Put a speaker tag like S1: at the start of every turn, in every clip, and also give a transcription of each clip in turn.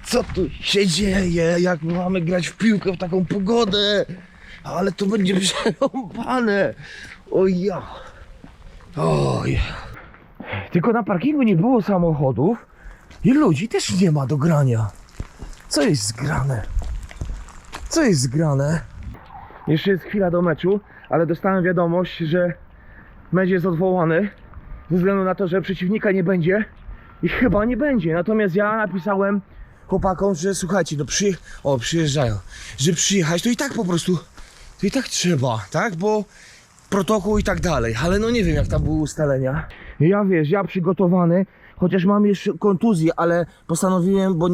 S1: Co tu się dzieje? Jak my mamy grać w piłkę w taką pogodę? Ale to będzie przerąbane. Oj ja. Oj. Tylko na parkingu nie było samochodów i ludzi też nie ma do grania. Co jest zgrane? Co jest zgrane? Jeszcze jest chwila do meczu, ale dostałem wiadomość, że mecz jest odwołany ze względu na to, że przeciwnika nie będzie i chyba nie będzie. Natomiast ja napisałem chłopakom, że słuchajcie, no przyjeżdżają, że przyjechać to i tak po prostu, to i tak trzeba, tak? Bo protokół i tak dalej, ale no nie wiem jak tam były ustalenia. Ja wiesz, ja przygotowany, chociaż mam jeszcze kontuzję, ale postanowiłem, bo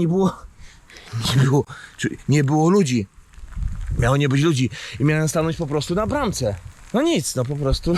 S1: nie było ludzi. Miało nie być ludzi i miałem stanąć po prostu na bramce. No nic, no po prostu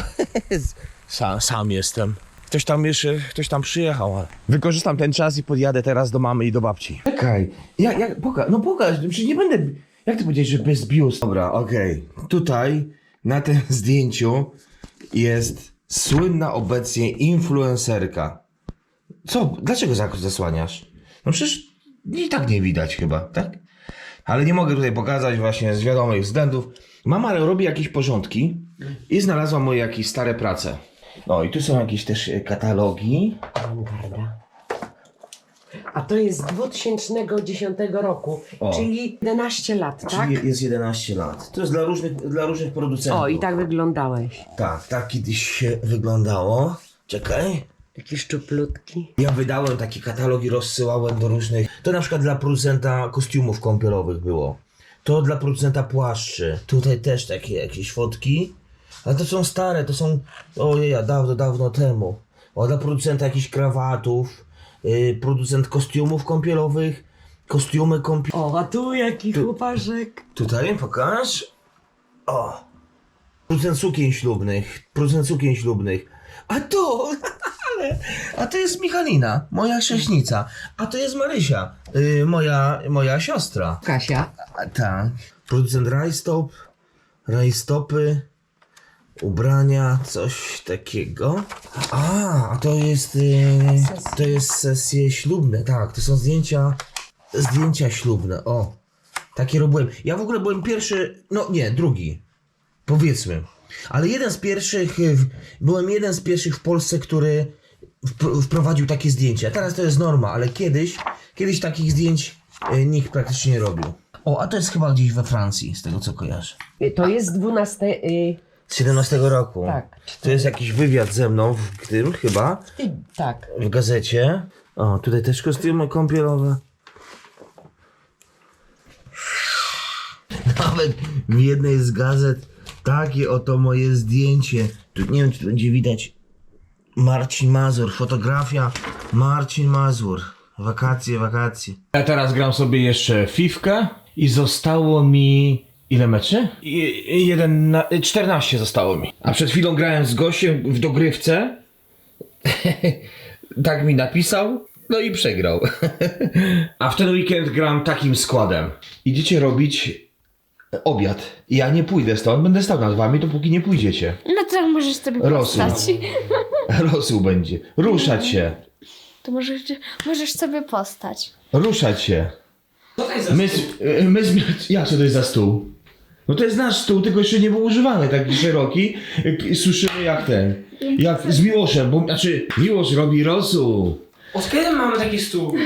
S1: sam jestem. Ktoś tam przyjechał, ale wykorzystam ten czas i podjadę teraz do mamy i do babci. Czekaj, pokaż, przecież nie będę, jak ty powiedziałeś, że bez biust? Dobra, okej. Tutaj na tym zdjęciu jest słynna obecnie influencerka. Co? Dlaczego zasłaniasz? No przecież i tak nie widać chyba, tak? Ale nie mogę tutaj pokazać właśnie z wiadomych względów. Mama robi jakieś porządki i znalazła moje jakieś stare prace. No i tu są jakieś też katalogi.
S2: Awangarda. A to jest z 2010 roku, czyli 11 lat, tak?
S1: Czyli jest 11 lat. To jest dla różnych producentów.
S2: O, i tak wyglądałeś.
S1: Tak kiedyś się wyglądało. Czekaj.
S2: Takie szczuplutki.
S1: Ja wydałem takie katalogi, rozsyłałem do różnych. To na przykład dla producenta kostiumów kąpielowych było. To dla producenta płaszczy. Tutaj też takie jakieś fotki. Ale to są stare, to są dawno temu. O, dla producenta jakichś krawatów. Producent kostiumów kąpielowych. Kostiumy kąpielowe.
S2: O, a tu jaki chłopaszek.
S1: Tutaj pokaż. O. Producent sukien ślubnych. A to, a to jest Michalina, moja chrześnica. A to jest Marysia, moja siostra.
S2: Kasia.
S1: Tak. Producent rajstopy, ubrania, coś takiego. A to jest sesje ślubne, tak. To są zdjęcia ślubne, o. Takie robiłem. Ja w ogóle byłem pierwszy, no nie, drugi, powiedzmy. Ale byłem jeden z pierwszych w Polsce, który wprowadził takie zdjęcia. Teraz to jest norma, ale kiedyś takich zdjęć nikt praktycznie nie robił. O, a to jest chyba gdzieś we Francji, z tego co kojarzę.
S2: To jest 12...
S1: Z 17 roku.
S2: Tak.
S1: To jest jakiś wywiad ze mną w tym chyba.
S2: Tak.
S1: W gazecie. O, tutaj też kostiumy kąpielowe. Nawet w jednej z gazet takie oto moje zdjęcie. Tu nie wiem, czy będzie widać. Marcin Mazur, fotografia Marcin Mazur. Wakacje. Ja teraz gram sobie jeszcze Fifkę i zostało mi... Ile meczy? 14 zostało mi. A przed chwilą grałem z gościem w dogrywce. Tak mi napisał. No i przegrał. A w ten weekend gram takim składem. Idziecie robić obiad. Ja nie pójdę stąd, będę stał nad wami, dopóki nie pójdziecie.
S3: No to możesz sobie
S1: Rosół.
S3: postać.
S1: Rosół będzie. Ruszać się.
S3: To możesz sobie postać.
S1: Ruszać się.
S4: Co to jest za
S1: Jak co to jest za stół? No to jest nasz stół, tylko jeszcze nie był używany, taki szeroki. Słyszymy jak ten. Jak z Miłoszem, bo znaczy Miłosz robi rosół.
S4: Od kiedy mamy taki stół?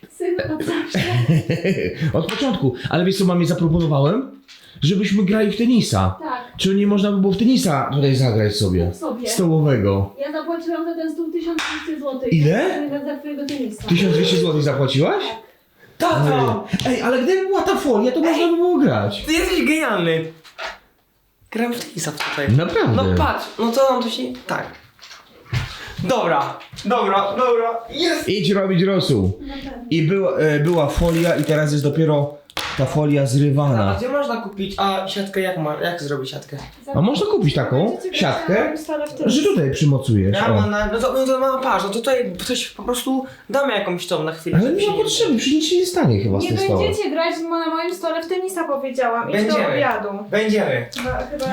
S1: Od początku. Ale wiesz co mamie zaproponowałem? Żebyśmy grali w tenisa.
S5: Tak.
S1: Czy nie można by było w tenisa tutaj zagrać sobie? Stołowego.
S5: Ja zapłaciłam za ten stół 1200 zł.
S1: Ile?
S5: Za twojego tenisa.
S1: 1200 zł zapłaciłaś?
S4: Tato!
S1: Ej, ale gdyby była ta folia, to można by było grać.
S4: Ty jesteś genialny! Gram w tenisa tutaj.
S1: Naprawdę.
S4: No patrz, no to nam to się... Tak. Dobra. Jest!
S1: Idź robić rosół. I była folia i teraz jest dopiero ta folia
S4: A
S1: zrywana.
S4: gdzie można kupić? A siatkę jak zrobić siatkę?
S1: A można kupić taką siatkę, że tutaj przymocujesz.
S4: Ja
S1: O.
S4: mam no to mama patrz, no to tutaj ktoś po prostu damy jakąś tą na chwilę.
S1: Ale
S4: żeby
S1: nie ma
S4: się
S1: potrzeby, przecież nic się nie stanie chyba z
S5: Nie
S1: tym stołem.
S5: będziecie grać na moim stole w tenisa, powiedziałam. Idź do
S4: Będziemy.
S5: obiadu.
S4: Będziemy.
S5: Chyba...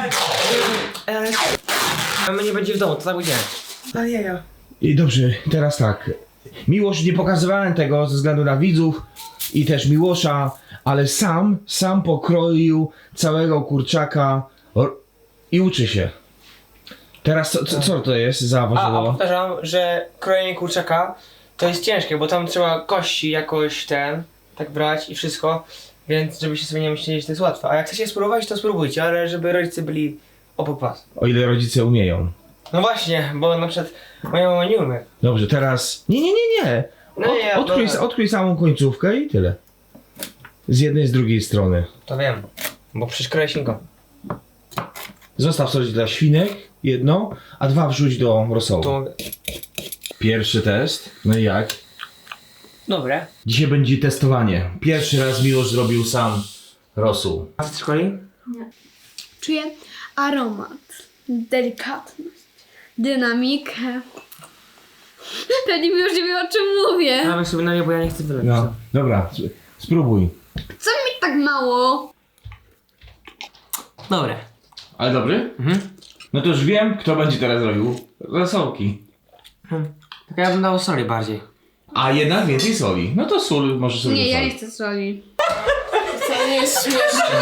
S4: A my nie będzie w domu, to tak będziemy. Ale jaja.
S1: I dobrze, teraz tak. Miłość, nie pokazywałem tego ze względu na widzów, i też Miłosza, ale sam pokroił całego kurczaka i uczy się. Teraz co to jest za
S4: A
S1: warzywo?
S4: powtarzam, że krojenie kurczaka to jest ciężkie, bo tam trzeba kości jakoś tak brać i wszystko, więc żebyście sobie nie myśleli, że to jest łatwe. A jak chcecie spróbować, to spróbujcie, ale żeby rodzice byli obok was.
S1: O ile rodzice umieją.
S4: No właśnie, bo na przykład moja mama nie umie.
S1: Dobrze, teraz... Nie.
S4: No nie,
S1: Odkryj samą końcówkę i tyle. Z jednej, z drugiej strony.
S4: To wiem, bo przecież kroję świnką.
S1: Zostaw coś dla świnek, jedno, a 2 wrzuć do rosołu.
S4: Tu mogę.
S1: Pierwszy test. No i jak?
S4: Dobre.
S1: Dzisiaj będzie testowanie. Pierwszy raz Miłosz zrobił sam rosół.
S4: A w szkoli?
S3: Czuję aromat, delikatność, dynamikę. Pewnie mi już nie wie, o czym mówię.
S4: Dawaj sobie na nie, bo ja nie chcę wyleć.
S1: No, dobra, spróbuj.
S3: Co mi tak mało?
S4: Dobre.
S1: Ale dobry?
S4: Mhm.
S1: No to już wiem, kto będzie teraz robił rosołki.
S4: Tak ja bym dał soli bardziej.
S1: A jednak więcej soli. No to sól może sobie
S3: Nie, ja
S1: dosolić.
S3: nie chcę soli.
S5: To nie jest śmieszne.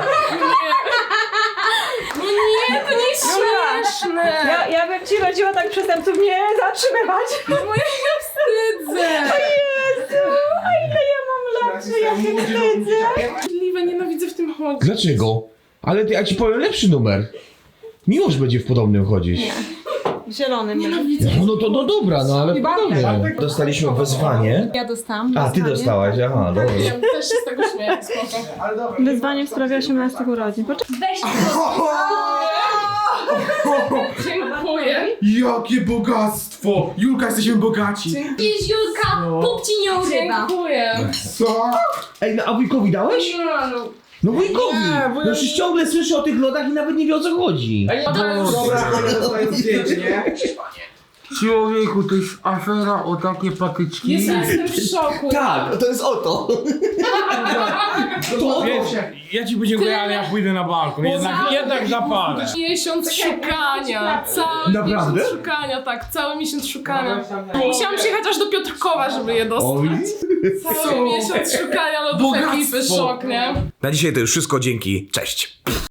S5: Nie, to nie jest śmieszne. Ja bym ci rodziła tak przestępców nie zatrzymywać. Bo ja się wstydzę. O Jezu, a ile ja mam lat, że ja się wstydzę. Możliwe, nienawidzę w tym chodzić.
S1: Dlaczego? Ale ja ci powiem lepszy numer. Miłosz będzie w podobnym chodzić.
S5: Zielony. Nienawidzę.
S1: No dobra, no ale w podobnym. Dostaliśmy wezwanie.
S5: Ja dostałam.
S1: A, ty dostałaś, aha, dobra.
S5: Też się z tego śmieję, spoko. Wyzwanie w sprawie 18 urodzin.
S3: Weź
S5: Dziękuję.
S6: Jakie bogactwo! Julka, jesteśmy bogaci!
S3: Jest Julka, Bóg ci nie urywa.
S5: Dziękuję.
S6: Co?
S1: Ej, no, a wujkowi dałeś? No wujkowi! No przecież ciągle słyszę o tych lodach i nawet nie wie o co chodzi.
S6: Dobra, ale dostaję zdjęcie, nie?
S7: Człowieku, to jest afera o takie patyczki.
S5: Jestem w szoku.
S1: Tak, to jest o to.
S7: Ja ci podziękuję, ale ja pójdę na balkon. Jednak zapalę.
S5: Miesiąc szukania, cały
S1: Naprawdę?
S5: miesiąc szukania, tak, cały miesiąc szukania. Musiałam przyjechać aż do Piotrkowa, żeby je dostać. Cały miesiąc szukania lodów ekipy, szok, nie?
S8: Na dzisiaj to już wszystko, dzięki, cześć!